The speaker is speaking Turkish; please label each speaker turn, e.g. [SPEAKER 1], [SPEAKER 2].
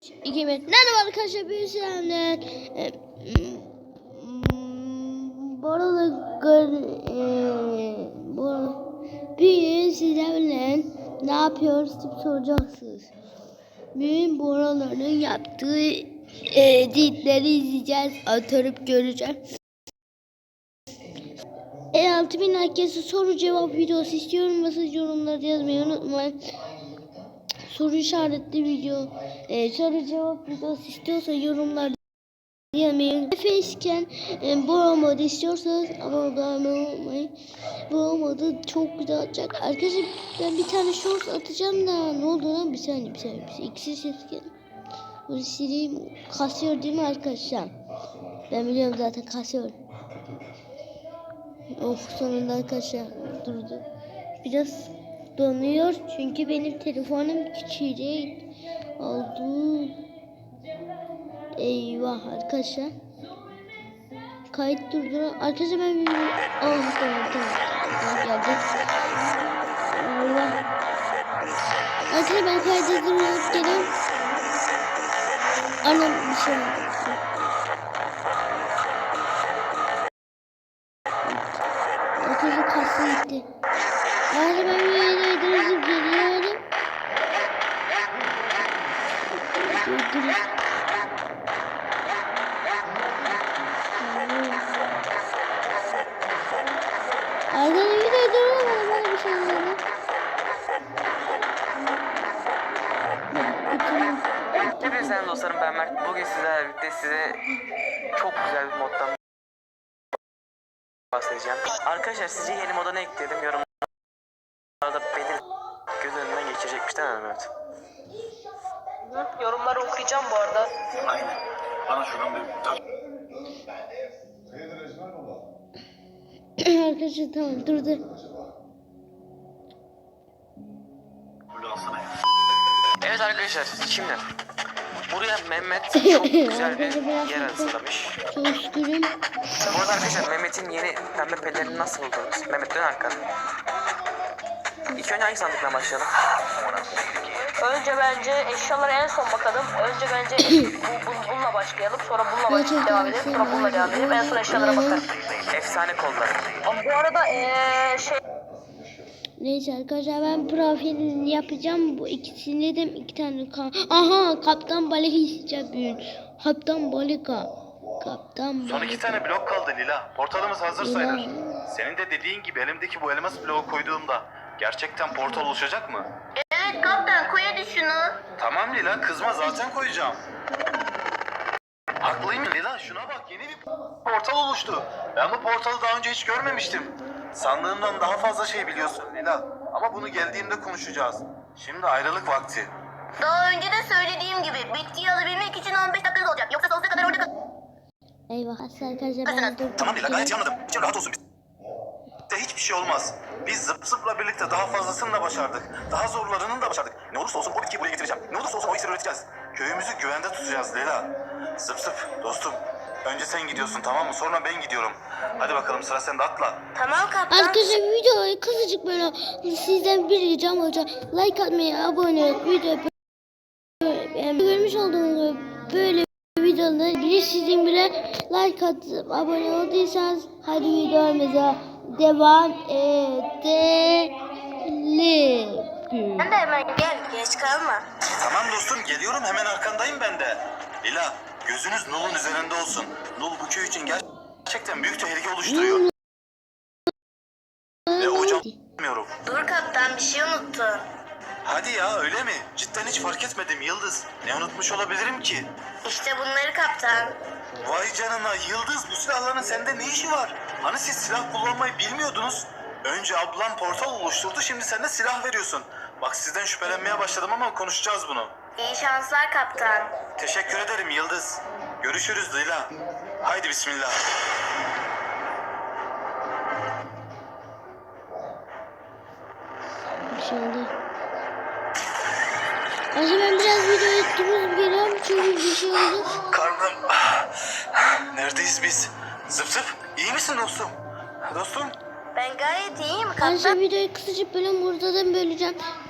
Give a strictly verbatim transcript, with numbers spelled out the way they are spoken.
[SPEAKER 1] iki bin. Merhaba arkadaşlar, bir selamlar. Ee, Bu arada e, bu bir sizlerle ne yapıyoruz diye soracaksınız. Bugün Bora'ların yaptığı e, editleri izleyeceğiz, atırıp göreceğiz. E altı bin herkese soru cevap videosu istiyorum. Mesaj yorumları yazmayı unutmayın. Soru işaretli video, e, soru cevap videosu istiyorsa yorumlarda yazmayı. Facecam e, Bora modu istiyorsanız abone olmayı. Bora modu çok güzel olacak. Arkadaşlar ben bir tane short atacağım da ne oldu lan, bir saniye bir saniye. Bir saniye. İkisi ses geldi. Bunu sileyim. Kasıyor değil mi arkadaşlar? Ben biliyorum zaten kasıyor. Of, sonunda arkadaşlar durdu. Biraz donuyor çünkü benim telefonum küçücük oldu. Eyvah arkadaşlar. Kayıt durdurun. Arkadaşlar ben bir... Oh tamam tamam. Tamam geldi. Allah. Arkadaşlar ben kayıt durdurup geliyorum. Anam bir şey oldu. Arkadaşlar kası gitti. Arkadaşlar ben bir yere durdurup geliyorum. Durdurup. Arkadaşlar bir de duramadım, bana bir şey oldu.
[SPEAKER 2] Hepinize selam dostlarım, ben Mert. Bugün sizlerle birlikte size çok güzel bir moddan bahsedeceğim. Arkadaşlar sizce yeni moda ne ekledim? Yorumlarda benim göz önünden geçirecekmiş değil mi Mehmet?
[SPEAKER 3] Hı, yorumları okuyacağım bu arada.
[SPEAKER 4] Aynen. Bana şuradan bir...
[SPEAKER 1] Arkadaşlar tamam durdu.
[SPEAKER 4] Böyle alsana ya.
[SPEAKER 2] Evet arkadaşlar, şimdi buraya Mehmet çok güzel bir yer hazırlamış.
[SPEAKER 1] Çok şükürüm.
[SPEAKER 2] Bu arada arkadaşlar Mehmet'in yeni pembe pelerini nasıl buldunuz? Mehmet dön arkana. İlk önce hangi sandıkla başlayalım?
[SPEAKER 3] Önce bence eşyalara en son bakalım. Önce bence bu, bu, bununla başlayalım. Sonra bununla baş- devam edelim. Sonra bununla devam edelim. En son eşyalara bakarım.
[SPEAKER 2] Efsane kollar.
[SPEAKER 3] Ama bu arada ee, şey...
[SPEAKER 1] Neyse arkadaşlar ben profilini yapacağım. Bu ikisini de iki tane kan. Aha, Kaptan Balika isteyeceğim bugün. Kaptan Balika. Kaptan Balika.
[SPEAKER 4] Son iki tane blok kaldı Lila. Portalımız hazır
[SPEAKER 1] Lila.
[SPEAKER 4] sayılır. Senin de dediğin gibi elimdeki bu elmas bloğu koyduğumda gerçekten portal oluşacak mı?
[SPEAKER 3] Evet kaptan, koy hadi şunu.
[SPEAKER 4] Tamam Lila, kızma, zaten koyacağım. Haklıyım Lila, şuna bak, yeni bir portal oluştu. Ben bu portalı daha önce hiç görmemiştim. Sandığımdan daha fazla şey biliyorsun Lila. Ama bunu geldiğimde konuşacağız. Şimdi ayrılık vakti.
[SPEAKER 5] Daha önce de söylediğim gibi bitkiyi alabilmek için on beş dakikanız olacak. Yoksa sonsuza kadar orada kal-
[SPEAKER 1] Eyvah arkadaşlar ben dur.
[SPEAKER 4] Tamam Lila, gayet iyi anladım. İçin rahat olsun. Bize hiçbir şey olmaz. Biz zıp zıpla birlikte daha fazlasını da başardık. Daha zorlarını da başardık. Ne olursa olsun o bitkiyi buraya getireceğim. Ne olursa olsun o iksiri üreteceğiz. Köyümüzü güvende tutacağız Leyla. Zıp zıp dostum. Önce sen gidiyorsun, tamam mı? Sonra ben gidiyorum. Hadi bakalım, sıra sende, atla.
[SPEAKER 5] Tamam kaptan.
[SPEAKER 1] Arkadaşlar videoyu kısacık böyle sizden bir ricam olacak. Like atmayı, abone olup video yani görmüş olduğunuz böyle videoları biri sizin bile like atıp abone olduysanız hadi videomuza devam edelim.
[SPEAKER 5] Sen de hemen gel, geç kalma.
[SPEAKER 4] Tamam dostum, geliyorum, hemen arkandayım ben de. Lila, gözünüz Nul'un üzerinde olsun. Nul bu köy için gerçekten büyük tehlike oluşturuyor. Ve hocam bilmiyorum.
[SPEAKER 5] Dur kaptan, bir şey unuttun.
[SPEAKER 4] Hadi ya, öyle mi? Cidden hiç fark etmedim Yıldız. Ne unutmuş olabilirim ki?
[SPEAKER 5] İşte bunları kaptan.
[SPEAKER 4] Vay canına Yıldız, bu silahların sende ne işi var? Hani siz silah kullanmayı bilmiyordunuz? Önce ablam portal oluşturdu, şimdi sen de silah veriyorsun. Bak sizden şüphelenmeye başladım ama konuşacağız bunu.
[SPEAKER 5] İyi şanslar kaptan.
[SPEAKER 4] Teşekkür ederim Yıldız. Görüşürüz Leyla. Haydi bismillah.
[SPEAKER 1] Bir şey oldu. Acaba ben biraz videoyu durup geliyorum çünkü bir şey oldu.
[SPEAKER 4] Karnım. Neredeyiz biz? Zıp zıp. İyi misin dostum? Dostum.
[SPEAKER 5] Ben gayet iyiyim
[SPEAKER 1] Arkadaşlar
[SPEAKER 5] kaptan.
[SPEAKER 1] videoyu kısacık bölüm burada da böleceğim.